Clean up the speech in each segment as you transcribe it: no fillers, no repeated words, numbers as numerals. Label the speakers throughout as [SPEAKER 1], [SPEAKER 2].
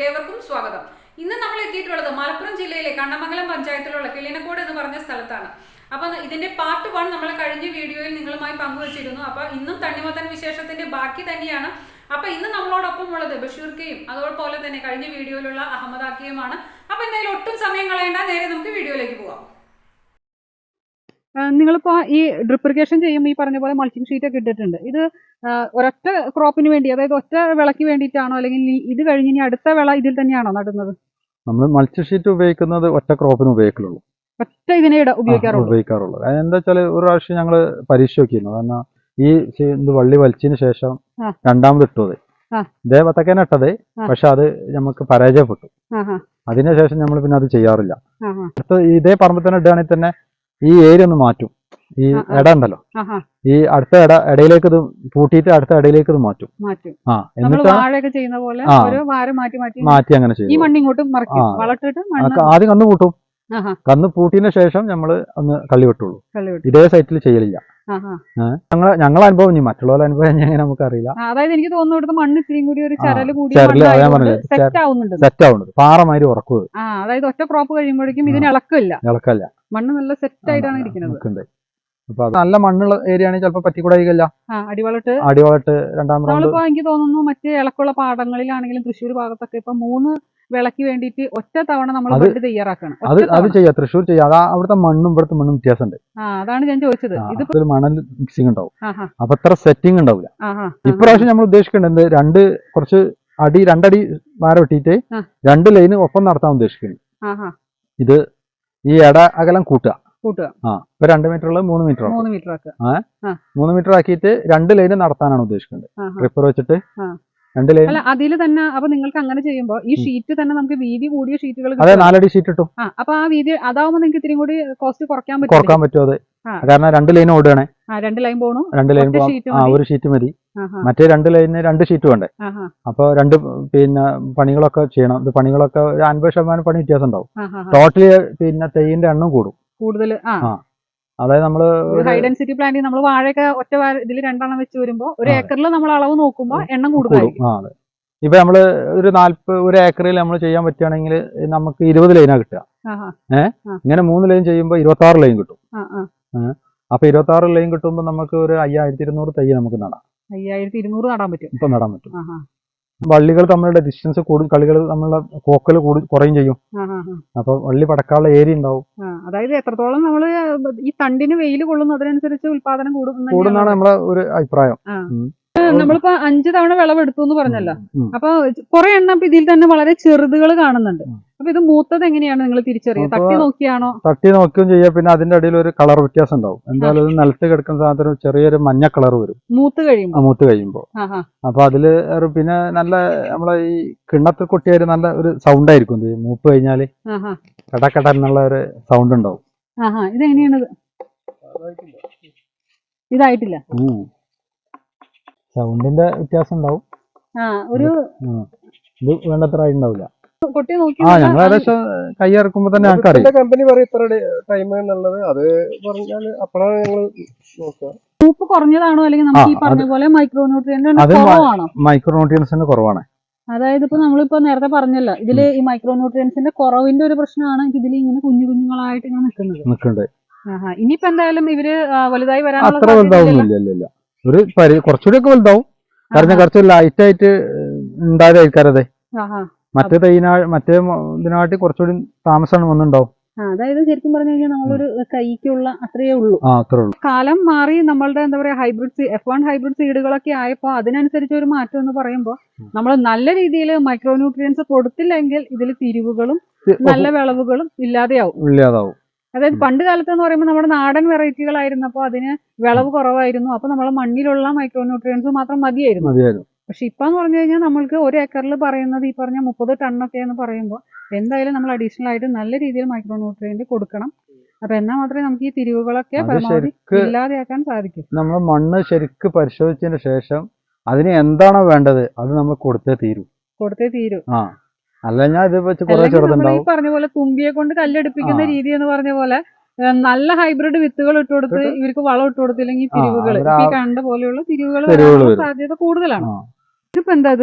[SPEAKER 1] ഏവർക്കും സ്വാഗതം. ഇന്ന് നമ്മൾ എത്തിയിട്ടുള്ളത് മലപ്പുറം ജില്ലയിലെ കണ്ണമംഗലം പഞ്ചായത്തിലുള്ള കിളിനക്കോട് എന്ന് പറഞ്ഞ സ്ഥലത്താണ്. അപ്പം ഇതിന്റെ പാർട്ട് 1 നമ്മൾ കഴിഞ്ഞ വീഡിയോയിൽ നിങ്ങളുമായി പങ്കുവച്ചിരുന്നു. അപ്പൊ ഇന്നും തണ്ണിമത്തൻ വിശേഷത്തിന്റെ ബാക്കി തന്നെയാണ്. അപ്പൊ ഇന്ന് നമ്മളോടൊപ്പം ഉള്ളത് ബഷീർക്കയും അതുപോലെ തന്നെ കഴിഞ്ഞ വീഡിയോയിലുള്ള അഹമ്മദാക്കിയുമാണ്. അപ്പൊ എന്തായാലും ഒട്ടും സമയം കളയേണ്ട, നേരെ നമുക്ക് വീഡിയോയിലേക്ക് പോവാം.
[SPEAKER 2] നിങ്ങളിപ്പോ ഈ ഡ്രിപ്പ് ഇറിഗേഷൻ ചെയ്യുമ്പോൾ ഈ പറഞ്ഞ പോലെ മൾച്ചിങ് ഷീറ്റ് ഒക്കെ ഇട്ടിട്ടുണ്ട്. ഇത് ഒരൊറ്റ ക്രോപ്പിന് വേണ്ടി, അതായത് ഒറ്റ വിളക്ക് വേണ്ടിയിട്ടാണോ, അല്ലെങ്കിൽ ഇത് കഴിഞ്ഞ് ഇനി അടുത്ത വിള ഇതിൽ തന്നെയാണോ നടുന്നത്?
[SPEAKER 3] നമ്മൾ മൾച്ചിങ് ഷീറ്റ് ഉപയോഗിക്കുന്നത് ഒറ്റ ക്രോപ്പിന് ഉപയോഗിക്കുള്ളൂ,
[SPEAKER 2] ഒറ്റ ഇതിനെ ഉപയോഗിക്കാറുള്ളൂ.
[SPEAKER 3] എന്താ വെച്ചാൽ ഒരു പ്രാവശ്യം ഞങ്ങൾ പരീക്ഷ നോക്കിയിരുന്നു. കാരണം ഈ വള്ളി വലിച്ചതിന് ശേഷം രണ്ടാമത് ഇട്ടത് ഇതേ പത്തക്കേനെ ഇട്ടത്, പക്ഷെ അത് നമുക്ക് പരാജയപ്പെട്ടു. അതിനുശേഷം നമ്മൾ പിന്നെ അത് ചെയ്യാറില്ല. ഇതേ പറമ്പിൽ തന്നെ ഇടുകയാണെങ്കിൽ തന്നെ ഈ ഏരിയ ഒന്ന് മാറ്റും. ഈ ഇട ഉണ്ടല്ലോ, ഈ അടുത്ത ഇടയിലേക്ക് ഇത് പൂട്ടിയിട്ട് അടുത്ത ഇടയിലേക്ക് ഇത് മാറ്റും.
[SPEAKER 2] എന്നിട്ട്
[SPEAKER 3] മാറ്റി അങ്ങനെ ചെയ്യും. ആദ്യം കന്ന് പൂട്ടും. കന്ന് പൂട്ടിയതിന് ശേഷം നമ്മള് ഒന്ന് കള്ളി വെട്ടുള്ളൂ. ഇതേ സൈറ്റിൽ ചെയ്യലില്ല. ഞങ്ങളെ അനുഭവം, ഇനി മറ്റുള്ളവരുടെ അനുഭവം എങ്ങനെ നമുക്കറിയില്ല.
[SPEAKER 2] അതായത് എനിക്ക് തോന്നുന്നു മണ്ണ് ഇത്തിരിയും കൂടി ഒരു
[SPEAKER 3] സെറ്റ് ആവുന്നത് പാറമാതിരി ഉറക്കുക.
[SPEAKER 2] അതായത് ഒറ്റ ക്രോപ്പ് കഴിയുമ്പോഴേക്കും ഇതിന് ഇളക്കല്ല, മണ്ണ് നല്ല സെറ്റ് ആയിട്ടാണ് ഇരിക്കുന്നത്.
[SPEAKER 3] അപ്പൊ നല്ല മണ്ണുള്ള ഏരിയ ആണെങ്കിൽ ചിലപ്പോ പറ്റിക്കൂടായില്ല. അടിവളട്ട് രണ്ടാം റൗണ്ട്.
[SPEAKER 2] എനിക്ക് തോന്നുന്നു മറ്റേ ഇളക്കുള്ള പാടങ്ങളിലാണെങ്കിലും തൃശ്ശൂർ ഭാഗത്തൊക്കെ ഇപ്പൊ 3 വിളക്ക് വേണ്ടിട്ട് ഒറ്റ തവണ നമ്മൾ തയ്യാറാക്കണം.
[SPEAKER 3] അത് ചെയ്യാം, തൃശ്ശൂർ ചെയ്യാം. അതാ അവിടുത്തെ മണ്ണും ഇവിടുത്തെ മണ്ണും വ്യത്യാസമുണ്ട്.
[SPEAKER 2] അതാണ് ഞാൻ ചോദിച്ചത്.
[SPEAKER 3] ഇതിൽ മണൽ മിക്സിംഗ് ഉണ്ടാവും, അപ്പൊ അത്ര സെറ്റിംഗ് ഉണ്ടാവില്ല. ഇപ്രാവശ്യം നമ്മൾ ഉദ്ദേശിക്കേണ്ടത് കുറച്ച് രണ്ടടി വാര വെട്ടിയിട്ട് 2 ലൈന് ഒപ്പം നടത്താൻ ഉദ്ദേശിക്കുന്നത്. ഇത് ഈ അകലം കൂട്ടുക. ഇപ്പൊ 2 മീറ്റർ ഉള്ളത് 3 മീറ്റർ 3 മീറ്റർ ആക്കിയിട്ട് 2 ലൈന് നടത്താനാണ് ഉദ്ദേശിക്കുന്നത്. ട്രിപ്പർ വെച്ചിട്ട് 2 ലൈൻ.
[SPEAKER 2] അതിൽ തന്നെ അപ്പൊ നിങ്ങൾക്ക് അങ്ങനെ ചെയ്യുമ്പോ ഈ ഷീറ്റ് തന്നെ നമുക്ക് വീതി കൂടിയ ഷീറ്റുകൾ,
[SPEAKER 3] അതെ 4 അടി ഷീറ്റ് ഇട്ടു.
[SPEAKER 2] അപ്പൊ ആ വീതി അതാവുമ്പോ നിങ്ങൾക്ക് ഇത്തിരി കൂടി കോസ്റ്റ് കുറയ്ക്കാൻ
[SPEAKER 3] പറ്റും. അത് കാരണം 2 ലൈൻ ഓടുകയാണെ,
[SPEAKER 2] 2 ലൈൻ പോകണം.
[SPEAKER 3] 2 ലൈൻ ഒരു ഷീറ്റ് മതി. മറ്റേ 2 ലൈനിന് 2 ഷീറ്റ് വേണ്ടേ. അപ്പൊ പണികളൊക്കെ ചെയ്യണം. ഇത് പണികളൊക്കെ 50% പണി വ്യത്യാസം ഉണ്ടാവും. ടോട്ടലി തെയ്യിന്റെ എണ്ണം കൂടും കൂടുതൽ. അതായത് നമ്മള്
[SPEAKER 2] ഹൈ ഡെൻസിറ്റി പ്ലാന്റിൽ നമ്മൾ വാഴയൊക്കെ ഒറ്റ ഇതിൽ 2 എണ്ണം വെച്ച് വരുമ്പോ 1 ഏക്കറിൽ നമ്മൾ അളവ് നോക്കുമ്പോ എണ്ണം കൂടും.
[SPEAKER 3] ഇപ്പൊ നമ്മള് ഒരു ഏക്കറിൽ നമ്മൾ ചെയ്യാൻ പറ്റുകയാണെങ്കിൽ നമുക്ക് 20 ലൈനാ കിട്ടുക. ഇങ്ങനെ 3 ലൈൻ ചെയ്യുമ്പോ 26 ലൈൻ കിട്ടും. അപ്പൊ 26 ലൈൻ കിട്ടുമ്പോ നമുക്ക് ഒരു 5200 തൈ നമുക്ക് നടാം.
[SPEAKER 2] 5200 നടാൻ പറ്റും.
[SPEAKER 3] ഇപ്പൊ നടാൻ പറ്റും. വള്ളികൾ തമ്മിലുള്ള ഡിസ്റ്റൻസ് കൂടും, കളികൾ തമ്മിലുള്ള പോക്കൽ കുറയും ചെയ്യും. അപ്പൊ വള്ളി പടക്കാനുള്ള ഏരിയ ഉണ്ടാവും.
[SPEAKER 2] അതായത് എത്രത്തോളം നമ്മള് ഈ തണ്ടിന് വെയിൽ കൊള്ളുന്നു അതിനനുസരിച്ച് ഉത്പാദനം
[SPEAKER 3] കൂടുന്നാണ് നമ്മളെ ഒരു അഭിപ്രായം.
[SPEAKER 2] നമ്മളിപ്പോ 5 തവണ വിളവെടുത്തു എന്ന് പറഞ്ഞല്ലോ. അപ്പൊ കുറെ എണ്ണം ഇതിൽ തന്നെ വളരെ ചെറുതുകൾ കാണുന്നുണ്ട്. അപ്പൊ ഇത് മൂത്തത് എങ്ങനെയാണ് നിങ്ങൾ തിരിച്ചറിയുക? തട്ടി നോക്കിയാണോ?
[SPEAKER 3] തട്ടി നോക്കുകയും ചെയ്യാം. പിന്നെ അതിന്റെ അടിയിൽ ഒരു കളർ വ്യത്യാസം ഉണ്ടാവും. എന്തായാലും ഇത് നിലത്ത് കിടക്കുന്ന സാധനം ചെറിയൊരു മഞ്ഞ കളർ വരും മൂത്ത് കഴിയുമ്പോ. അപ്പൊ അതില് പിന്നെ നല്ല നമ്മളെ ഈ കിണ്ണത്തിൽ കൊട്ടിയൊരു നല്ല ഒരു സൗണ്ട് ആയിരിക്കും. മൂപ്പ് കഴിഞ്ഞാല് കടക്കട എന്നുള്ള ഒരു സൗണ്ട് ഉണ്ടാവും.
[SPEAKER 2] ഇതെങ്ങനെയാണ്? ഇതായിട്ടില്ല.
[SPEAKER 3] സൗണ്ടിന്റെ വ്യത്യാസം ഉണ്ടാവും. ഇത് വേണ്ടത്ര ആയിട്ടുണ്ടാവില്ല. ഞങ്ങൾ ഏകദേശം കൈ ഇറക്കുമ്പോ തന്നെ ഞങ്ങൾക്ക്
[SPEAKER 4] കമ്പനി പറയും ഇത്ര ടൈം എന്നുള്ളത്. അത് പറഞ്ഞാൽ അപ്പോഴാണ് ഞങ്ങൾ നോക്കുക.
[SPEAKER 2] മൂപ്പ് കുറഞ്ഞതാണോ അല്ലെങ്കിൽ നമുക്ക് ഈ പറഞ്ഞ പോലെ
[SPEAKER 3] മൈക്രോന്യൂട്രിയൻസിന്റെ കുറവാണ്.
[SPEAKER 2] അതായത് ഇപ്പൊ നമ്മളിപ്പോ നേരത്തെ പറഞ്ഞല്ലോ, ഇതില് ഈ മൈക്രോന്യൂട്രിയൻസിന്റെ കുറവിന്റെ ഒരു പ്രശ്നമാണ് ഇതിൽ ഇങ്ങനെ കുഞ്ഞുങ്ങളായിട്ട് ഇങ്ങനെ നിൽക്കുന്നത്. ഇനിയിപ്പോ എന്തായാലും ഇവര് വലുതായി വരാനുള്ള
[SPEAKER 3] അത്ര വലുതാവുന്നില്ല. ഒരു കുറച്ചുകൂടി ഒക്കെ വലുതാവും. കാരണം കുറച്ച് ലൈറ്റ് ആയിട്ട് ഉണ്ടായതായിരിക്കാരതെ. മറ്റേ ഇതിനാട്ടി കുറച്ചുകൂടി താമസമാണ് വന്നിട്ടുണ്ടാവും.
[SPEAKER 2] അതായത് ശരിക്കും പറഞ്ഞു കഴിഞ്ഞാൽ നമ്മളൊരു കൈക്കുള്ള അത്രയേ ഉള്ളൂ. കാലം മാറി നമ്മളുടെ എന്താ പറയാ ഹൈബ്രിഡ് F1 ഹൈബ്രിഡ് സീഡുകളൊക്കെ ആയപ്പോ അതിനനുസരിച്ച് ഒരു മാറ്റം എന്ന് പറയുമ്പോൾ നമ്മൾ നല്ല രീതിയിൽ മൈക്രോന്യൂട്രിയൻസ് കൊടുത്തില്ലെങ്കിൽ ഇതിൽ തിരിവുകളും നല്ല വിളവുകളും ഇല്ലാതെയാവും. അതായത് പണ്ട് കാലത്ത് എന്ന് പറയുമ്പോൾ നമ്മുടെ നാടൻ വെറൈറ്റികളായിരുന്നപ്പോ അതിന് വിളവ് കുറവായിരുന്നു. അപ്പൊ നമ്മളെ മണ്ണിലുള്ള മൈക്രോന്യൂട്രിയൻസ് മാത്രം മതിയായിരുന്നു. പക്ഷെ ഇപ്പൊ എന്ന് പറഞ്ഞു കഴിഞ്ഞാൽ നമ്മൾക്ക് 1 ഏക്കറിൽ പറയുന്നത് ഈ പറഞ്ഞ 30 ടണ്ണൊക്കെ എന്ന് പറയുമ്പോൾ എന്തായാലും നമ്മൾ അഡീഷണൽ ആയിട്ട് നല്ല രീതിയിൽ മൈക്രോന്യൂട്രിയന്റ് കൊടുക്കണം. അപ്പൊ എന്നാൽ മാത്രമേ നമുക്ക് ഈ തിരിവുകളൊക്കെ ഇല്ലാതെയാക്കാൻ സാധിക്കും.
[SPEAKER 3] നമ്മൾ മണ്ണ് ശരിക്ക് പരിശോധിച്ചതിന് ശേഷം അതിന് എന്താണോ വേണ്ടത് അത് നമ്മൾ കൊടുത്തേ തീരൂ. അല്ല ഞാൻ ഇത് വെച്ച് കുറെ ചെറുതുണ്ടാവും.
[SPEAKER 2] പറഞ്ഞ പോലെ തുമ്പിയെ കൊണ്ട് കല്ലെടുപ്പിക്കുന്ന രീതി എന്ന് പറഞ്ഞ പോലെ നല്ല ഹൈബ്രിഡ് വിത്തുകൾ ഇട്ട് കൊടുത്ത് ഇവർക്ക് വളം ഇട്ട് കൊടുത്തില്ലെങ്കിൽ തിരിവുകൾ ഈ കണ്ട പോലെയുള്ള തിരിവുകൾ സാധ്യത കൂടുതലാണ്. ഇതിപ്പോ എന്താ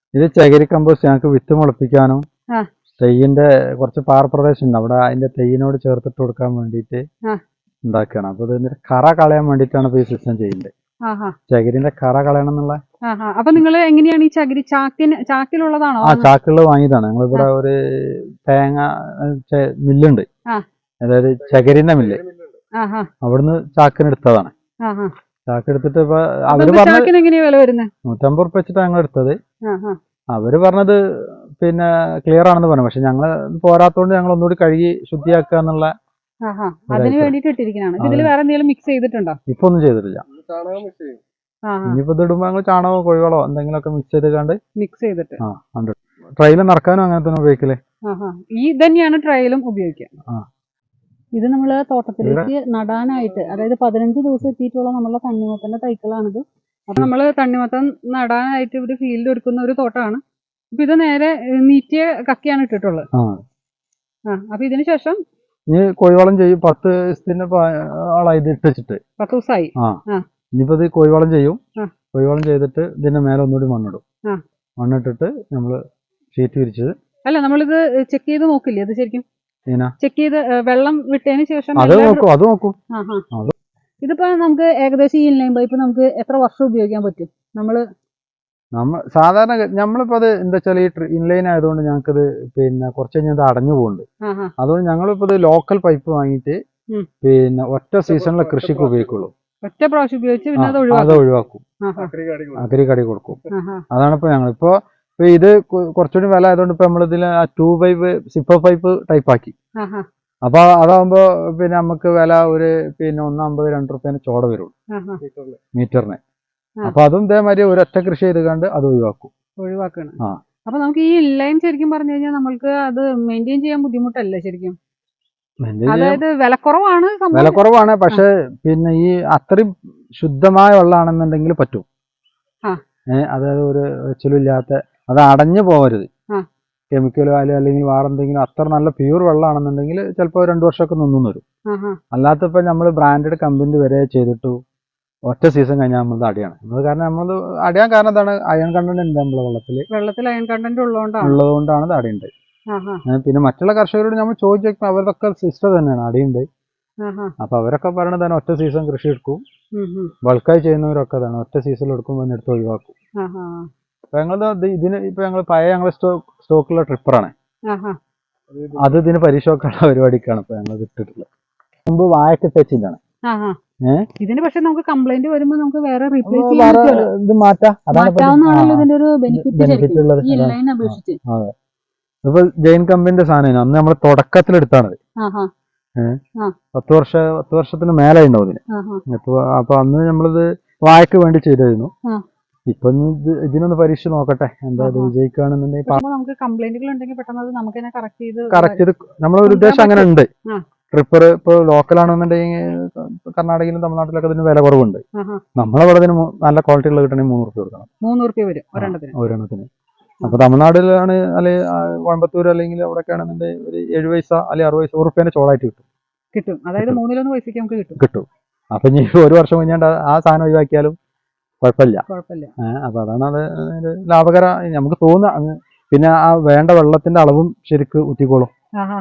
[SPEAKER 3] ഇത് ചകിരി കമ്പോസ്റ്റ് ഞങ്ങൾക്ക് വിത്ത് മുളപ്പിക്കാനും
[SPEAKER 2] ആ.
[SPEAKER 3] തെയ്യിന്റെ കുറച്ച് പാറപ്രദേശം ഉണ്ട് അവിടെ അതിന്റെ തെയ്യിനോട് ചേർത്തിട്ട് കൊടുക്കാൻ വേണ്ടിയിട്ട്
[SPEAKER 2] ആ.
[SPEAKER 3] ഉണ്ടാക്കുകയാണ്. അപ്പൊ ഇത് കറ കളയാൻ വേണ്ടിയിട്ടാണ് ഇപ്പൊ ഈ സിസ്റ്റം ചെയ്യുന്നത്. ചകിരിന്റെ കറ കളയണം എന്നുള്ള.
[SPEAKER 2] അപ്പൊ നിങ്ങൾ എങ്ങനെയാണ് ഈ ചകിരി ചാക്കിലുള്ളതാണോ?
[SPEAKER 3] ആ ചാക്കുകൾ വാങ്ങിയതാണ്. ഞങ്ങളിവിടെ ഒരു തേങ്ങ മില്ലുണ്ട്, അതായത് ചകരിന്റെ മില്ല്. അവിടുന്ന് ചാക്കിന് എടുത്തതാണ്. ചാക്കെടുത്തിട്ട് ഇപ്പൊ അവര് പറഞ്ഞത് 150 ഉറുപ്പിക വെച്ചിട്ടാണ് ഞങ്ങൾ എടുത്തത്. അവര് പറഞ്ഞത് പിന്നെ ക്ലിയർ ആണെന്ന് പറഞ്ഞു. പക്ഷെ ഞങ്ങള് പോരാത്തോണ്ട് ഞങ്ങൾ ഒന്നുകൂടി കഴുകി ശുദ്ധിയാക്കുക എന്നുള്ള
[SPEAKER 2] അതിന് വേണ്ടിട്ട് ഇട്ടിരിക്കുന്നതാണ്. ഇതിൽ വേറെ എന്തെങ്കിലും മിക്സ് ചെയ്തിട്ടുണ്ടോ?
[SPEAKER 3] ഇപ്പൊ ഒന്നും ചെയ്തിട്ടില്ല. ഇനിയിപ്പോ ഇത് ഇടുമ്പോ ഞങ്ങൾ ചാണകമോ കോഴികളോ എന്തെങ്കിലുമൊക്കെ മിക്സ് ചെയ്തിട്ട് ട്രയലും നടക്കാനും അങ്ങനെ തന്നെ ഉപയോഗിക്കലേ.
[SPEAKER 2] ഈ തന്നെയാണ് ട്രയലും ഉപയോഗിക്കുക. ഇത് നമ്മള് തോട്ടത്തിലേക്ക് നടാനായിട്ട്, അതായത് 15 ദിവസം എത്തിയിട്ടുള്ള നമ്മളുടെ തണ്ണിമത്തന്റെ തൈക്കളാണിത്. അപ്പൊ നമ്മള് തണ്ണിമത്തൻ നടാനായിട്ട് ഒരു ഫീൽഡ് ഒരുക്കുന്ന ഒരു തോട്ടമാണ്. അപ്പൊ ഇത് നേരെ നീറ്റിയ കക്കിയാണ് ഇട്ടിട്ടുള്ളത്. അപ്പൊ ഇതിന് ശേഷം
[SPEAKER 3] ഇനി കോഴിവളം ചെയ്യും. 10 ദിവസത്തിന് ആളായി ഇട്ട് വെച്ചിട്ട്
[SPEAKER 2] 10 ദിവസമായി.
[SPEAKER 3] ഇനിയിപ്പോ ഇത് കോഴിവളം ചെയ്യും. കോഴിവളം ചെയ്തിട്ട് ഇതിന്റെ മേലെ ഒന്നുകൂടി മണ്ണിടും. മണ്ണിട്ടിട്ട് നമ്മള് ഷീറ്റ് വിരിച്ചത്.
[SPEAKER 2] അല്ല, നമ്മളിത് ചെക്ക് ചെയ്ത് നോക്കില്ലേ? അത് ശരിക്കും ചെക്ക് ചെയ്ത് വെള്ളം വിട്ടതിന് ശേഷം
[SPEAKER 3] അത് നോക്കും.
[SPEAKER 2] ഇതിപ്പോ നമുക്ക് ഏകദേശം ഈ ഇൻലൈൻ പൈപ്പ് നമുക്ക് എത്ര വർഷം ഉപയോഗിക്കാൻ പറ്റും?
[SPEAKER 3] സാധാരണ നമ്മളിപ്പോ അത് എന്താ വെച്ചാൽ ഈ ഇൻലൈൻ ആയതുകൊണ്ട് ഞങ്ങൾക്കത് പിന്നെ കുറച്ച് കഴിഞ്ഞാൽ അടഞ്ഞു പോകുന്നുണ്ട്. അതുകൊണ്ട് ഞങ്ങളിപ്പോ ഇത് ലോക്കൽ പൈപ്പ് വാങ്ങിയിട്ട് പിന്നെ ഒറ്റ സീസണിലെ കൃഷിക്ക് ഉപയോഗിക്കുള്ളൂ.
[SPEAKER 2] ഒറ്റ പ്രാവശ്യം ഉപയോഗിച്ച് പിന്നെ
[SPEAKER 3] അത് ഒഴിവാക്കും, അഗ്രി കടി കൊടുക്കും. അതാണ് ഇപ്പൊ ഞങ്ങളിപ്പോ ഇത് കുറച്ചുകൂടി വില ആയതുകൊണ്ട് ഇപ്പൊ നമ്മളിതിൽ 2 പൈപ്പ് സിപ്പർ പൈപ്പ് ടൈപ്പ് ആക്കി. അപ്പൊ അതാകുമ്പോ പിന്നെ നമുക്ക് വില ഒരു പിന്നെ 1.50 2 റുപ്യേന് ചോട വരുള്ളൂ മീറ്ററിന്. അപ്പൊ അതും ഇതേമാതിരി ഒരൊറ്റ കൃഷി ചെയ്ത് കണ്ട് അത്
[SPEAKER 2] ഒഴിവാക്കണം. അപ്പൊ നമുക്ക് ഈ ഇൻലൈൻ ശരിക്കും പറഞ്ഞു കഴിഞ്ഞാൽ നമ്മൾക്ക് അത് മെയിൻറ്റെയിൻ ചെയ്യാൻ ബുദ്ധിമുട്ടല്ലേ ശരിക്കും? അതായത്
[SPEAKER 3] വിലക്കുറവാണ്. പക്ഷെ പിന്നെ ഈ അത്രയും ശുദ്ധമായ വെള്ളമാണെന്നുണ്ടെങ്കിൽ പറ്റും. അതായത് ഒരു വെച്ചിലില്ലാത്ത, അത് അടഞ്ഞു പോകരുത്. കെമിക്കലോ അല്ലെങ്കിൽ വേറെ എന്തെങ്കിലും അത്ര നല്ല പ്യൂർ വെള്ളമാണെന്നുണ്ടെങ്കിൽ ചിലപ്പോൾ 2 വർഷമൊക്കെ നിന്നും വരും. അല്ലാത്തപ്പോൾ നമ്മൾ ബ്രാൻഡഡ് കമ്പനി വരെ ചെയ്തിട്ടു ഒറ്റ സീസൺ കഴിഞ്ഞാൽ നമ്മളത് അടിയാണ്. കാരണം നമ്മളത് അടിയാൻ കാരണം എന്താണ്? അയൺ കണ്ടന്റ് ഉണ്ട് നമ്മളെ വെള്ളത്തിൽ
[SPEAKER 2] അയൺ കണ്ടന്റ്
[SPEAKER 3] ഉള്ളതുകൊണ്ടാണ് ഇത് അടിയുണ്ട്. പിന്നെ മറ്റുള്ള കർഷകരോട് നമ്മൾ ചോദിച്ചു അവരൊക്കെ സിസ്റ്റം തന്നെയാണ് അടിയുണ്ട്. അപ്പൊ അവരൊക്കെ പറയണത് തന്നെ ഒറ്റ സീസൺ കൃഷി എടുക്കും. ബൾക്കായി ചെയ്യുന്നവരൊക്കെ തന്നെ ഒറ്റ സീസണിൽ എടുക്കുമ്പോൾ എടുത്ത് ഒഴിവാക്കും. അപ്പൊ ഞങ്ങളത് ഇതിന് ഇപ്പൊ ഞങ്ങൾ ഞങ്ങളെ സ്റ്റോക്കുള്ള ട്രിപ്പറാണ്. അത് ഇതിന് പരിശോധന പരിപാടിക്കാണ് ഇപ്പൊ ഞങ്ങൾ ഇട്ടിട്ടുള്ളത്. മുമ്പ് വാഴക്ക് തെച്ചിട്ടാണ്.
[SPEAKER 2] ഇതിന് പക്ഷെ നമുക്ക് കംപ്ലൈന്റ് വരുമ്പോൾ നമുക്ക് വേറെ
[SPEAKER 3] ഇത് മാറ്റാം. ഇപ്പൊ ജെയിൻ കമ്പനിന്റെ സാധനം അന്ന് നമ്മൾ തുടക്കത്തിലെടുത്താണത്. 10 വർഷത്തിന് മേലെ ഉണ്ടാവും ഇതിന്. അപ്പൊ അന്ന് നമ്മളിത് വാഴക്ക് വേണ്ടി ചെയ്തിരുന്നു. ഇപ്പൊ ഇതിനൊന്ന് പരീക്ഷ നോക്കട്ടെ, എന്താ ഇത് വിജയിക്കുകയാണെന്നുണ്ടെങ്കിൽ
[SPEAKER 2] നമുക്ക് കംപ്ലൈന്റുകൾ ഉണ്ടെങ്കിൽ പെട്ടെന്ന് അത് നമുക്ക് തന്നെ
[SPEAKER 3] കറക്റ്റ് ചെയ്ത് നമ്മളെ ഒരു ഉദ്ദേശം അങ്ങനെ ഉണ്ട്. ട്രിപ്പർ ഇപ്പൊ ലോക്കലാണെന്നുണ്ടെങ്കിൽ കർണാടകയിലും തമിഴ്നാട്ടിലൊക്കെ ഇതിന് വില കുറവുണ്ട്. നമ്മളവിടെ ഇതിന് നല്ല ക്വാളിറ്റി ഉള്ള കിട്ടണമെങ്കിൽ 3 റുപ്യ കൊടുക്കണം.
[SPEAKER 2] 3 റുപ്യ വരും
[SPEAKER 3] ഒരെണ്ണത്തിന്. അപ്പൊ തമിഴ്നാട്ടിലാണ് അല്ലെങ്കിൽ കോയമ്പത്തൂർ അല്ലെങ്കിൽ അവിടെയൊക്കെ ആണെന്നുണ്ടെങ്കിൽ ഒരു 7 പൈസ അല്ലെങ്കിൽ 60 പൈസ 1 റുപ്യേന്റെ ചോളായിട്ട്
[SPEAKER 2] കിട്ടും. അതായത് 3-1 പൈസക്ക് നമുക്ക്
[SPEAKER 3] കിട്ടും. അപ്പൊ ഇനി 1 വർഷം കഴിഞ്ഞാൽ ആ സാധനം ഒഴിവാക്കിയാലും കുഴപ്പമില്ല. അപ്പൊ അതാണ് അത് ലാഭകര നമുക്ക് തോന്നുക. പിന്നെ ആ വേണ്ട വെള്ളത്തിന്റെ അളവും ശരിക്ക് ഊറ്റിക്കോളും.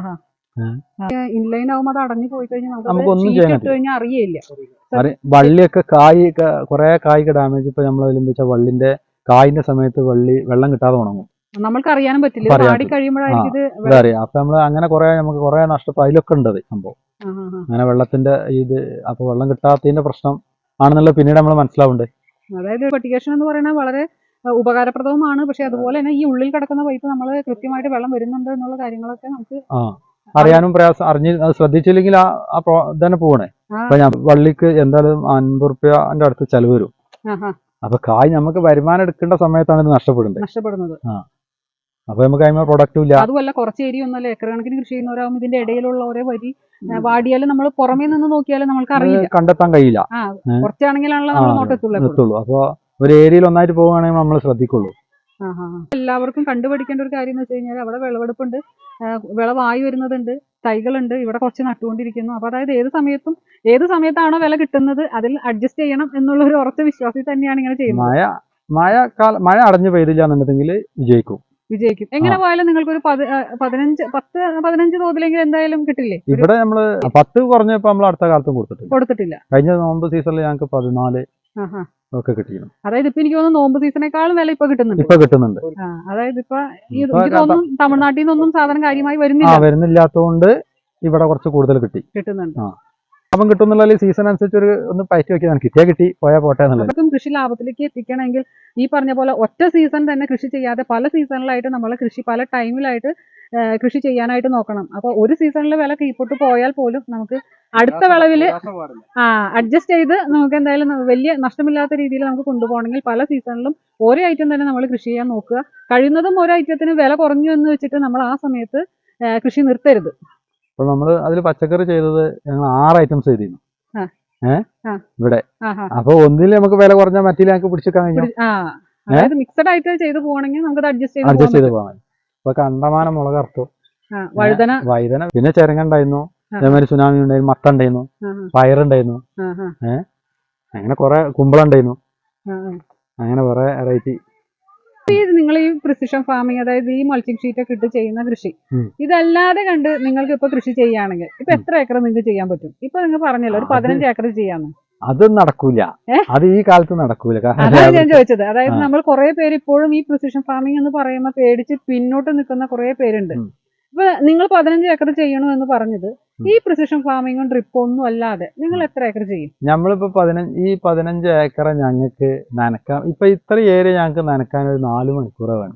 [SPEAKER 2] ഇൻലൈൻ ആവുമ്പോൾ അത് അടഞ്ഞു പോയി കഴിഞ്ഞാൽ
[SPEAKER 3] നമുക്കൊന്നും ചെയ്യാൻ
[SPEAKER 2] അറിയില്ല.
[SPEAKER 3] വള്ളിയൊക്കെ കുറെ കായ്ക്ക് ഡാമേജ്. ഇപ്പൊ നമ്മൾ എന്താ വെച്ചാൽ വള്ളിന്റെ കായിന്റെ സമയത്ത് വെള്ളം കിട്ടാതെ ഉണങ്ങും.
[SPEAKER 2] നമ്മൾക്ക് അറിയാനും പറ്റില്ല.
[SPEAKER 3] അറിയാം. അപ്പൊ നമ്മള് അങ്ങനെ നമുക്ക് കുറെ നഷ്ടപ്പെട്ടു. അതിലൊക്കെ ഉണ്ട് സംഭവം. അങ്ങനെ വെള്ളത്തിന്റെ അപ്പൊ വെള്ളം കിട്ടാത്തതിന്റെ പ്രശ്നം ആണെന്നുള്ള പിന്നീട് നമ്മൾ മനസ്സിലാവുന്നുണ്ട്.
[SPEAKER 2] അതായത് ഫെർട്ടിഗേഷൻ എന്ന് പറയുന്നത് വളരെ ഉപകാരപ്രദവുമാണ്. പക്ഷെ അതുപോലെ തന്നെ ഈ ഉള്ളിൽ കിടക്കുന്ന പൈപ്പ് നമ്മൾ കൃത്യമായിട്ട് വെള്ളം വരുന്നുണ്ട് എന്നുള്ള കാര്യങ്ങളൊക്കെ നമുക്ക്
[SPEAKER 3] അറിയാനും പ്രയാസം. അത് ശ്രദ്ധിച്ചില്ലെങ്കിൽ തന്നെ പോകണേ. അപ്പൊ വള്ളിക്ക് എന്തായാലും 50 റുപ്യന്റെ അടുത്ത് ചെലവ് വരും. അപ്പൊ കായ് നമുക്ക് വരുമാനം എടുക്കേണ്ട സമയത്താണ് ഇത് നഷ്ടപ്പെടുന്നത്. അപ്പൊ നമുക്ക് അതിന് പ്രൊഡക്റ്റും ഇല്ല.
[SPEAKER 2] അതുമല്ല കുറച്ച് ഏരിയ ഒന്നല്ല, ഏക്കർ കണക്കിന് കൃഷി ചെയ്യുന്നവരാകുമ്പോൾ ഇതിന്റെ ഇടയിലുള്ള ഓരോ വരി വാടിയാലും നമ്മൾ പുറമേ നിന്ന് നോക്കിയാലും നമ്മൾക്ക് അറിയില്ല,
[SPEAKER 3] കണ്ടെത്താൻ കഴിയില്ല.
[SPEAKER 2] കുറച്ചാണെങ്കിലാണല്ലോ നമ്മൾ നോട്ടെത്തുള്ളൂ.
[SPEAKER 3] അപ്പൊ ഒരു ഏരിയയിൽ ഒന്നായിട്ട് പോവുകയാണെങ്കിൽ നമ്മൾ ശ്രദ്ധിക്കുള്ളൂ.
[SPEAKER 2] എല്ലാവർക്കും കണ്ടുപിടിക്കേണ്ട ഒരു കാര്യം എന്ന് വെച്ച് കഴിഞ്ഞാൽ അവിടെ വിളവെടുപ്പുണ്ട്, വിളവായി വരുന്നതുണ്ട്, തൈകളുണ്ട്, ഇവിടെ കുറച്ച് നട്ടുകൊണ്ടിരിക്കുന്നു. അപ്പൊ അതായത് ഏത് സമയത്താണോ വില കിട്ടുന്നത് അതിൽ അഡ്ജസ്റ്റ് ചെയ്യണം എന്നുള്ള ഒരു ഉറച്ച വിശ്വാസത്തിൽ തന്നെയാണ് ഇങ്ങനെ ചെയ്യുന്നത്.
[SPEAKER 3] മഴ മഴ അടഞ്ഞു പെയ്തില്ല എന്നുണ്ടെങ്കിൽ വിജയിക്കും.
[SPEAKER 2] എങ്ങനെ പോയാലും നിങ്ങൾക്ക് ഒരു 15 തോതിലെങ്കിലും എന്തായാലും കിട്ടില്ലേ?
[SPEAKER 3] ഇവിടെ നമ്മള് 10 കുറഞ്ഞപ്പോ നമ്മൾ അടുത്ത കാലത്തും
[SPEAKER 2] കൊടുത്തിട്ടില്ല.
[SPEAKER 3] കഴിഞ്ഞ നോമ്പ് സീസണിൽ ഞങ്ങൾക്ക് 14 ഒക്കെ കിട്ടിയിരുന്നു.
[SPEAKER 2] അതായത് ഇപ്പൊ എനിക്ക് തോന്നുന്നു നോമ്പ് സീസണേക്കാളും വില ഇപ്പൊ കിട്ടുന്നുണ്ട്. അതായത് ഇപ്പൊ തമിഴ്നാട്ടിൽ നിന്നൊന്നും സാധനം കാര്യമായി
[SPEAKER 3] വരുന്നില്ലാത്തതുകൊണ്ട് ഇവിടെ കുറച്ച് കൂടുതൽ കിട്ടുന്നുണ്ട്. അപ്പം കിട്ടുന്നുള്ള സീസൺ അനുസരിച്ച് ഒന്ന് പയറ്റി വെക്കാൻ കിട്ടി പോയാൽ പോട്ടെ എന്നുള്ളത്.
[SPEAKER 2] കൃഷി ലാഭത്തിലേക്ക് എത്തിക്കണമെങ്കിൽ ഈ പറഞ്ഞ പോലെ ഒറ്റ സീസൺ തന്നെ കൃഷി ചെയ്യാതെ പല സീസണിലായിട്ട് നമ്മൾ കൃഷി പല ടൈമിലായിട്ട് കൃഷി ചെയ്യാനായിട്ട് നോക്കണം. അപ്പൊ ഒരു സീസണിൽ വില കീഴ്പോട്ട് പോയാൽ പോലും നമുക്ക് അടുത്ത വിളവില് അഡ്ജസ്റ്റ് ചെയ്ത് നമുക്ക് എന്തായാലും വലിയ നഷ്ടമില്ലാത്ത രീതിയിൽ നമുക്ക് കൊണ്ടുപോകണമെങ്കിൽ പല സീസണിലും ഓരോ ഐറ്റം തന്നെ നമ്മൾ കൃഷി ചെയ്യാൻ നോക്കുക. കഴിയുന്നതും ഓരോ ഐറ്റത്തിന് വില കുറഞ്ഞു എന്ന് വെച്ചിട്ട് നമ്മൾ ആ സമയത്ത് കൃഷി നിർത്തരുത്.
[SPEAKER 3] അപ്പൊ നമ്മള് അതിൽ പച്ചക്കറി ചെയ്തത് ഞങ്ങൾ 6 ഐറ്റംസ് ചെയ്തിരുന്നു ഇവിടെ. അപ്പൊ ഒന്നിൽ നമുക്ക് വില കുറഞ്ഞാൽ മറ്റേ ഞങ്ങൾക്ക് പിടിച്ചെടുക്കാൻ കഴിഞ്ഞു.
[SPEAKER 2] മിക്സഡ് ആയിട്ട് ചെയ്ത് പോകണമെങ്കിൽ നമുക്ക് അഡ്ജസ്റ്റ്
[SPEAKER 3] ചെയ്ത് പോകാൻ. ഇപ്പൊ കണ്ടമാനം മുളക് അറുത്തു, വഴുതന, പിന്നെ ചെരങ്ങ ഉണ്ടായിരുന്നു, അതേമാതിരി സുനാമി ഉണ്ടായിരുന്നു, മത്ത ഉണ്ടായിരുന്നു, പയറുണ്ടായിരുന്നു, അങ്ങനെ കുറെ കുമ്പളം ഉണ്ടായിരുന്നു, അങ്ങനെ കുറെ വെറൈറ്റി.
[SPEAKER 2] നിങ്ങൾ ഈ പ്രിസിഷൻ ഫാമിംഗ്, അതായത് ഈ മൾച്ചിങ് ഷീറ്റ് ഒക്കെ ഇട്ട് ചെയ്യുന്ന കൃഷി, ഇതല്ലാതെ കണ്ട് നിങ്ങൾക്ക് ഇപ്പൊ കൃഷി ചെയ്യുകയാണെങ്കിൽ ഇപ്പൊ എത്ര ഏക്കർ നിങ്ങൾക്ക് ചെയ്യാൻ പറ്റും? ഇപ്പൊ നിങ്ങൾ പറഞ്ഞല്ലോ ഒരു 15 ഏക്കർ ചെയ്യാന്ന്.
[SPEAKER 3] അത് നടക്കൂല, അത് ഈ കാലത്ത് നടക്കൂല.
[SPEAKER 2] അതാണ് ഞാൻ ചോദിച്ചത്. അതായത് നമ്മൾ കുറെ പേര് ഇപ്പോഴും ഈ പ്രിസിഷൻ ഫാമിംഗ് എന്ന് പറയുമ്പോൾ പേടിച്ച് പിന്നോട്ട് നിൽക്കുന്ന കുറെ പേരുണ്ട്. ഇപ്പൊ നിങ്ങൾ 15 ഏക്കർ ചെയ്യണു എന്ന് പറഞ്ഞത് ഈ പ്രിസിഷൻ ഫാമിങ്ങും ഡ്രിപ്പും ഒന്നും അല്ലാതെ നിങ്ങൾ എത്ര ഏക്കർ ചെയ്യും?
[SPEAKER 3] നമ്മളിപ്പോ 15 ഏക്കർ ഞങ്ങൾക്ക് നനക്കാം. ഇപ്പൊ ഇത്ര ഏരിയ ഞങ്ങൾക്ക് നനക്കാൻ ഒരു 4 മണിക്കൂർ വേണം.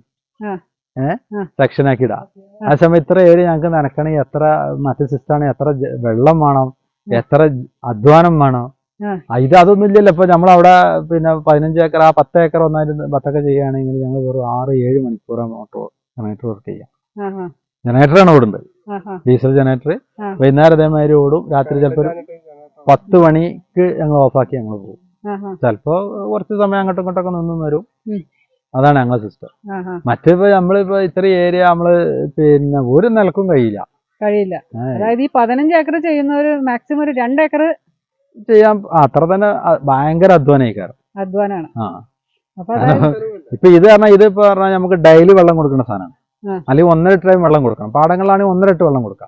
[SPEAKER 3] സെക്ഷൻ ആക്കി ഇടാം. ആ സമയം ഇത്ര ഏരിയ ഞങ്ങൾക്ക് നനക്കണമെങ്കിൽ എത്ര മറ്റു സിസ്റ്റാണ്, എത്ര വെള്ളം വേണം, എത്ര അധ്വാനം വേണം. അതൊന്നും ഇല്ലല്ലോ. ഇപ്പൊ നമ്മളവിടെ പിന്നെ 15 ഏക്കർ 10 ഏക്കർ ഒന്നായിട്ട് ബത്തൊക്കെ ചെയ്യുകയാണെങ്കിൽ ഞങ്ങൾ വെറും 6-7 മണിക്കൂർ ജനറേറ്റർ വർക്ക് ചെയ്യാം. ജനറേറ്ററാണ് ഓടുന്നത്, ഡീസൽ ജനറേറ്റർ. വൈകുന്നേരം അതേമാതിരി ഓടും. രാത്രി ചിലപ്പോൾ 10 മണിക്ക് ഞങ്ങൾ ഓഫാക്കി ഞങ്ങൾ പോകും. ചിലപ്പോ കുറച്ച് സമയം അങ്ങോട്ടും ഇങ്ങോട്ടൊക്കെ നിന്നും വരും. അതാണ് ഞങ്ങളെ സിസ്റ്റം. മറ്റിപ്പോ നമ്മളിപ്പോ ഇത്ര ഏരിയ നമ്മള് പിന്നെ ഒരു നിലക്കും കഴിയില്ല.
[SPEAKER 2] അതായത് ഈ 15 ഏക്കർ ചെയ്യുന്നവര് മാക്സിമം ഒരു 2 ഏക്കർ
[SPEAKER 3] ചെയ്യാൻ അത്ര തന്നെ ഭയങ്കര അധ്വാനാണ്. ഇപ്പൊ ഇത് പറഞ്ഞാൽ നമുക്ക് ഡെയിലി വെള്ളം കൊടുക്കുന്ന സാധനമാണ്. അല്ലെങ്കിൽ 1.5 ടൈം വെള്ളം കൊടുക്കണം. പാടങ്ങളിലാണെങ്കിൽ 1.5 വെള്ളം കൊടുക്കാം.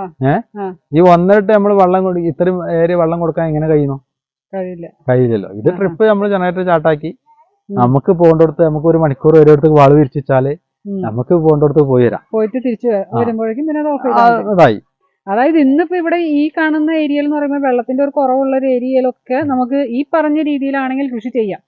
[SPEAKER 3] ഈ 1.5 നമ്മൾ വെള്ളം ഇത്രയും ഏരിയ വെള്ളം കൊടുക്കാൻ എങ്ങനെ കഴിയില്ലല്ലോ. ഇത് ട്രിപ്പ് നമ്മൾ ജനറേറ്റർ ചാട്ടാക്കി നമുക്ക് പോകേണ്ടടുത്ത് നമുക്ക് 1 മണിക്കൂർ ഒരിടത്തേക്ക് വാള് വിരിച്ചാല് നമുക്ക് പോകേണ്ടടുത്ത് പോയിട്ട്
[SPEAKER 2] തിരിച്ചു വരുമ്പോഴേക്കും പിന്നെ
[SPEAKER 3] അതായി.
[SPEAKER 2] അതായത് ഇന്നിപ്പോ ഇവിടെ ഈ കാണുന്ന ഏരിയയിൽ എന്ന് പറയുമ്പോൾ വെള്ളത്തിന്റെ ഒരു കുറവുള്ള ഒരു ഏരിയയിലൊക്കെ നമുക്ക് ഈ പറഞ്ഞ രീതിയിലാണെങ്കിൽ കൃഷി ചെയ്യാം.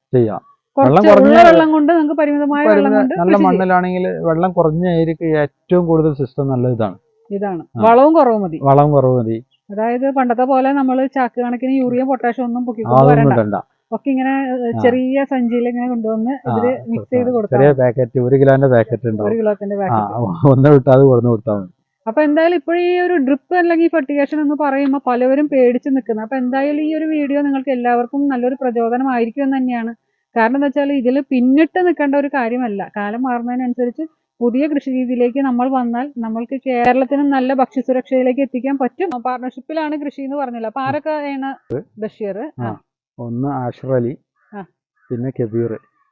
[SPEAKER 2] വെള്ളം കൊണ്ട് നമുക്ക് പരിമിതമായ വെള്ളം കൊണ്ട്
[SPEAKER 3] നല്ല മണ്ണിലാണെങ്കിൽ വെള്ളം കുറഞ്ഞ ഏരിയക്ക് ഏറ്റവും കൂടുതൽ സിസ്റ്റം നല്ല
[SPEAKER 2] ഇതാണ്. വളവും കുറവ് മതി. അതായത് പണ്ടത്തെ പോലെ നമ്മൾ ചാക്ക് കണക്കിന് യൂറിയ പൊട്ടാഷ്യം ഒന്നും പൊക്കിക്കൊണ്ടുവരണ്ട. ഒക്കെ ഇങ്ങനെ ചെറിയ സഞ്ചിയിൽ ഇങ്ങനെ കൊണ്ടുവന്ന് ഇതില് മിക്സ് ചെയ്ത് കൊടുക്കാം.
[SPEAKER 3] 1 കിലോന്റെ പാക്കറ്റ് ഉണ്ടാവും.
[SPEAKER 2] 1 കിലോത്തിന്റെ പാക്കറ്റ്
[SPEAKER 3] ഒന്ന് വിട്ടാൽ കൊടുത്തു കൊടുത്താൽ മതി.
[SPEAKER 2] അപ്പൊ എന്തായാലും ഇപ്പോഴും ഈ ഒരു ഡ്രിപ്പ് അല്ലെങ്കിൽ ഫെർട്ടിഗേഷൻ എന്ന് പറയുമ്പോൾ പലവരും പേടിച്ച് നിൽക്കുന്നത്. അപ്പൊ എന്തായാലും ഈ ഒരു വീഡിയോ നിങ്ങൾക്ക് എല്ലാവർക്കും നല്ലൊരു പ്രചോദനമായിരിക്കും എന്ന് തന്നെയാണ്. കാരണം എന്താ വെച്ചാൽ ഇതിൽ പിന്നിട്ട് നിൽക്കേണ്ട ഒരു കാര്യമല്ല. കാലം മാറുന്നതിനനുസരിച്ച് പുതിയ കൃഷി രീതിയിലേക്ക് നമ്മൾ വന്നാൽ നമ്മൾക്ക് കേരളത്തിനും നല്ല ഭക്ഷ്യസുരക്ഷയിലേക്ക് എത്തിക്കാൻ പറ്റും. പാർട്ണർഷിപ്പിലാണ് കൃഷി എന്ന് പറഞ്ഞല്ലോ. അപ്പൊ ആരൊക്കെ ആണ്? ബഷീർ,
[SPEAKER 3] ഒന്ന് ആഷിർ അലി, പിന്നെ കബീർ.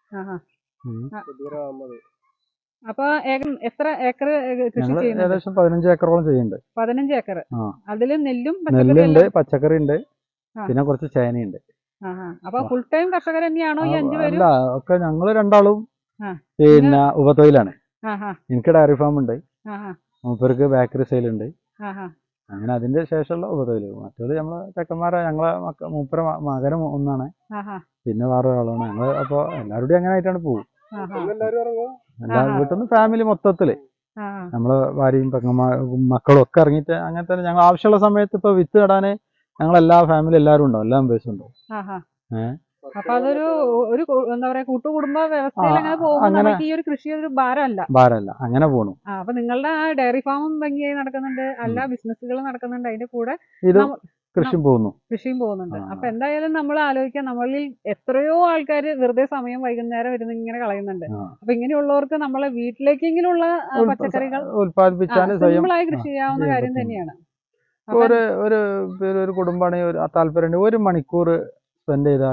[SPEAKER 2] അപ്പൊ എത്ര ഏക്കർ കൃഷി ചെയ്യുന്നത്?
[SPEAKER 3] ഏകദേശം 15 ഏക്കറോളം ചെയ്യുന്നുണ്ട്.
[SPEAKER 2] 15 ഏക്കർ. അതില്
[SPEAKER 3] നെല്ലുണ്ട്, പച്ചക്കറി ഉണ്ട്, പിന്നെ കുറച്ച് ചേനയുണ്ട്.
[SPEAKER 2] അപ്പൊ ഫുൾ ടൈം കർഷകർ തന്നെയാണോ ഈ 5 പേരും?
[SPEAKER 3] അല്ല, ഒക്കെ ഞങ്ങള് രണ്ടാളും പിന്നെ ഉപതൊഴിലാണ്. എനിക്ക് ഡയറി ഫാം ഉണ്ട്, മൂപ്പർക്ക് ബേക്കറി സെയിൽ ഉണ്ട്. അങ്ങനെ അതിന്റെ ശേഷമുള്ള ഉപതൊഴിൽ. മറ്റേത് നമ്മളെ ചെക്കന്മാരെ ഞങ്ങളെ മൂപ്പര മകനും ഒന്നാണ്, പിന്നെ വേറെ ഒരാളാണ്. ഞങ്ങള് അപ്പൊ എല്ലാവരുടെയും അങ്ങനെ ആയിട്ടാണ് പോകും. വീട്ടിൽ നിന്ന് ഫാമിലി മൊത്തത്തില് നമ്മള് ഭാര്യയും മക്കളും ഒക്കെ ഇറങ്ങിയിട്ട് അങ്ങനെ തന്നെ ഞങ്ങൾ ആവശ്യമുള്ള സമയത്ത് ഇപ്പൊ വിത്ത് നടാന് ഞങ്ങളെല്ലാ ഫാമിലി എല്ലാവരും ഉണ്ടാവും, എല്ലാ മെമ്പേഴ്സും ഉണ്ടാവും.
[SPEAKER 2] അപ്പൊ അതൊരു എന്താ പറയാ കൂട്ടുകുടുംബ വ്യവസ്ഥയിൽ അങ്ങനെ പോകുമ്പോൾ ഈ ഒരു കൃഷി ഒരു ഭാരമല്ല,
[SPEAKER 3] അങ്ങനെ പോണു.
[SPEAKER 2] അപ്പൊ നിങ്ങളുടെ ആ ഡയറി ഫാമും ഭംഗിയായി നടക്കുന്നുണ്ട്, എല്ലാ ബിസിനസ്സുകളും നടക്കുന്നുണ്ട്, അതിന്റെ കൂടെ കൃഷിയും പോകുന്നുണ്ട്. അപ്പൊ എന്തായാലും നമ്മൾ ആലോചിക്കാം, നമ്മളിൽ എത്രയോ ആൾക്കാർ വെറുതെ സമയം വൈകുന്നേരം വരുന്ന ഇങ്ങനെ കളയുന്നുണ്ട്. അപ്പൊ ഇങ്ങനെയുള്ളവർക്ക് നമ്മളെ വീട്ടിലേക്കെങ്കിലുള്ള പച്ചക്കറികൾ സിമ്പിളായി കൃഷി ചെയ്യാവുന്ന കാര്യം തന്നെയാണ്.
[SPEAKER 3] ഒരു കുടുംബാണെങ്കിൽ താല്പര്യം 1 മണിക്കൂർ സ്പെൻഡ് ചെയ്താല്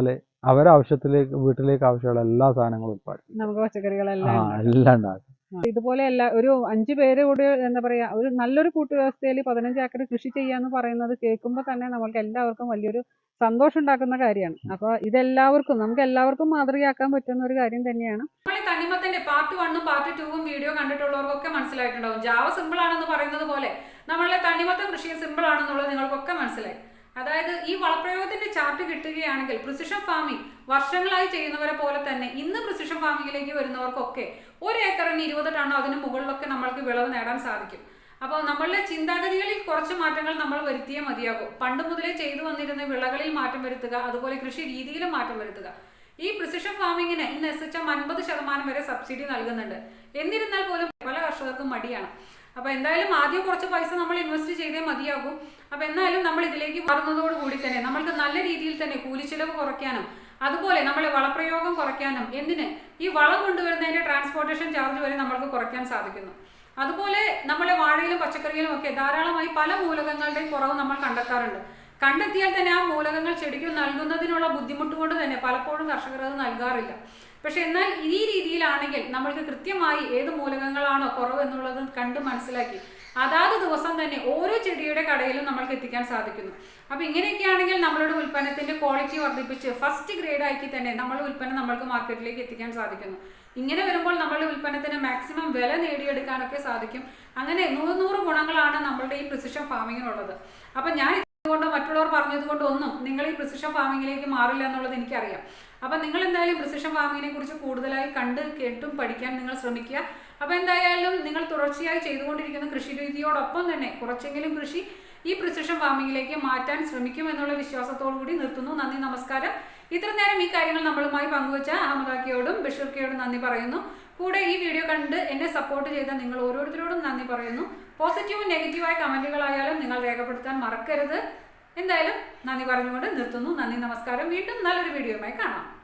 [SPEAKER 3] അവരെ ആവശ്യത്തിലേക്ക് വീട്ടിലേക്ക് ആവശ്യമുള്ള എല്ലാ സാധനങ്ങളും ഉത്പാദിപ്പിക്കും.
[SPEAKER 2] നമുക്ക് പച്ചക്കറികളെല്ലാം
[SPEAKER 3] എല്ലാം ഉണ്ടാക്കും.
[SPEAKER 2] ഇതുപോലെ ഒരു 5 പേര് കൂടി എന്താ പറയാ ഒരു നല്ലൊരു കൂട്ടുവ്യവസ്ഥയിൽ 15 ഏക്കർ കൃഷി ചെയ്യാന്ന് പറയുന്നത് കേൾക്കുമ്പോൾ തന്നെ നമ്മൾക്ക് എല്ലാവർക്കും വലിയൊരു സന്തോഷം ഉണ്ടാക്കുന്ന കാര്യമാണ്. അപ്പൊ ഇതെല്ലാവർക്കും നമുക്ക് എല്ലാവർക്കും മാതൃകയാക്കാൻ പറ്റുന്ന ഒരു കാര്യം തന്നെയാണ്.
[SPEAKER 1] തണ്ണിമത്തന്റെ പാർട്ട് 1ഉം പാർട്ട് 2ഉം വീഡിയോ കണ്ടിട്ടുള്ളവർക്കൊക്കെ മനസ്സിലായിട്ടുണ്ടാവും. ജാവ സിമ്പിൾ ആണെന്ന് പറയുന്നത് പോലെ നമ്മളുടെ തണ്ണിമത്തൻ കൃഷി സിമ്പിൾ ആണെന്നുള്ളത് നിങ്ങൾക്കൊക്കെ മനസ്സിലായി. അതായത് ഈ വളപ്രയോഗത്തിന്റെ ചാർട്ട് കിട്ടുകയാണെങ്കിൽ പ്രിസിഷൻ ഫാമിംഗ് വർഷങ്ങളായി ചെയ്യുന്നവരെ പോലെ തന്നെ ഇന്ന് പ്രിസിഷൻ ഫാമിംഗിലേക്ക് വരുന്നവർക്കൊക്കെ 1 ഏക്കറിന് 20 ടണ്ണോ അതിന് മുകളിലൊക്കെ നമ്മൾക്ക് വിളവ് നേടാൻ സാധിക്കും. അപ്പോൾ നമ്മളുടെ ചിന്താഗതികളിൽ കുറച്ച് മാറ്റങ്ങൾ നമ്മൾ വരുത്തിയേ മതിയാകും. പണ്ട് മുതലേ ചെയ്തു വന്നിരുന്ന വിളകളിൽ മാറ്റം വരുത്തുക, അതുപോലെ കൃഷി രീതിയിലും മാറ്റം വരുത്തുക. ഈ പ്രിസിഷൻ ഫാമിങ്ങിന് ഇന്ന് SHM 50% വരെ സബ്സിഡി നൽകുന്നുണ്ട്. എന്നിരുന്നാൽ പോലും പല കർഷകർക്കും മടിയാണ്. അപ്പൊ എന്തായാലും ആദ്യം കുറച്ച് പൈസ നമ്മൾ ഇൻവെസ്റ്റ് ചെയ്തേ മതിയാകും. അപ്പൊ എന്നാലും നമ്മൾ ഇതിലേക്ക് മാറുന്നതോടുകൂടി തന്നെ നമ്മൾക്ക് നല്ല രീതിയിൽ തന്നെ കൂലിച്ചെലവ് കുറയ്ക്കാനും അതുപോലെ നമ്മളെ വളപ്രയോഗം കുറയ്ക്കാനും എന്തിന് ഈ വളം കൊണ്ടുവരുന്നതിന്റെ ട്രാൻസ്പോർട്ടേഷൻ ചാർജ് വരെ നമ്മൾക്ക് കുറയ്ക്കാൻ സാധിക്കുന്നു. അതുപോലെ നമ്മളെ വാഴയിലും പച്ചക്കറിയിലും ഒക്കെ ധാരാളമായി പല മൂലകങ്ങളുടെയും കുറവ് നമ്മൾ കണ്ടെത്താറുണ്ട്. കണ്ടെത്തിയാൽ തന്നെ ആ മൂലകങ്ങൾ ചെടിക്ക് നൽകുന്നതിനുള്ള ബുദ്ധിമുട്ട് കൊണ്ട് തന്നെ പലപ്പോഴും കർഷകർ അത് നൽകാറില്ല. പക്ഷെ എന്നാൽ ഈ രീതിയിലാണെങ്കിൽ നമ്മൾക്ക് കൃത്യമായി ഏത് മൂലകങ്ങളാണോ കുറവ് എന്നുള്ളത് കണ്ട് മനസ്സിലാക്കി അതാത് ദിവസം തന്നെ ഓരോ ചെടിയുടെ കടയിലും നമ്മൾക്ക് എത്തിക്കാൻ സാധിക്കുന്നു. അപ്പൊ ഇങ്ങനെയൊക്കെയാണെങ്കിൽ നമ്മളുടെ ഉൽപ്പന്നത്തിന്റെ ക്വാളിറ്റി വർദ്ധിപ്പിച്ച് ഫസ്റ്റ് ഗ്രേഡ് ആക്കി തന്നെ നമ്മളുടെ ഉൽപ്പന്നം നമ്മൾക്ക് മാർക്കറ്റിലേക്ക് എത്തിക്കാൻ സാധിക്കുന്നു. ഇങ്ങനെ വരുമ്പോൾ നമ്മളുടെ ഉൽപ്പന്നത്തിന് മാക്സിമം വില നേടിയെടുക്കാനൊക്കെ സാധിക്കും. അങ്ങനെ 100 ഗുണങ്ങളാണ് നമ്മളുടെ ഈ പ്രിസിഷൻ ഫാമിങ്ങിനുള്ളത്. അപ്പൊ ഞാൻ ഇതുകൊണ്ട് മറ്റുള്ളവർ പറഞ്ഞതുകൊണ്ട് ഒന്നും നിങ്ങൾ ഈ പ്രിസിഷൻ ഫാമിങ്ങിലേക്ക് മാറില്ല എന്നുള്ളത് എനിക്കറിയാം. അപ്പം നിങ്ങൾ എന്തായാലും പ്രിസിഷൻ ഫാമിങ്ങിനെ കുറിച്ച് കൂടുതലായി കണ്ട് കേട്ടും പഠിക്കാൻ നിങ്ങൾ ശ്രമിക്കുക. അപ്പോൾ എന്തായാലും നിങ്ങൾ തുടർച്ചയായി ചെയ്തുകൊണ്ടിരിക്കുന്ന കൃഷി രീതിയോടൊപ്പം തന്നെ കുറച്ചെങ്കിലും കൃഷി ഈ പ്രിസിഷൻ ഫാമിങ്ങിലേക്ക് മാറ്റാൻ ശ്രമിക്കും എന്നുള്ള വിശ്വാസത്തോടു കൂടി നിർത്തുന്നു. നന്ദി, നമസ്കാരം. ഇത്ര നേരം ഈ കാര്യങ്ങൾ നമ്മളുമായി പങ്കുവച്ച അഹമ്മദാക്കിയോടും ബഷീർക്കയോടും നന്ദി പറയുന്നു. കൂടെ ഈ വീഡിയോ കണ്ട് എന്നെ സപ്പോർട്ട് ചെയ്ത നിങ്ങൾ ഓരോരുത്തരോടും നന്ദി പറയുന്നു. പോസിറ്റീവും നെഗറ്റീവായ കമന്റുകളായാലും നിങ്ങൾ രേഖപ്പെടുത്താൻ മറക്കരുത്. എന്തായാലും നന്ദി പറഞ്ഞുകൊണ്ട് നിർത്തുന്നു. നന്ദി, നമസ്കാരം. വീണ്ടും നല്ലൊരു വീഡിയോയുമായി കാണാം.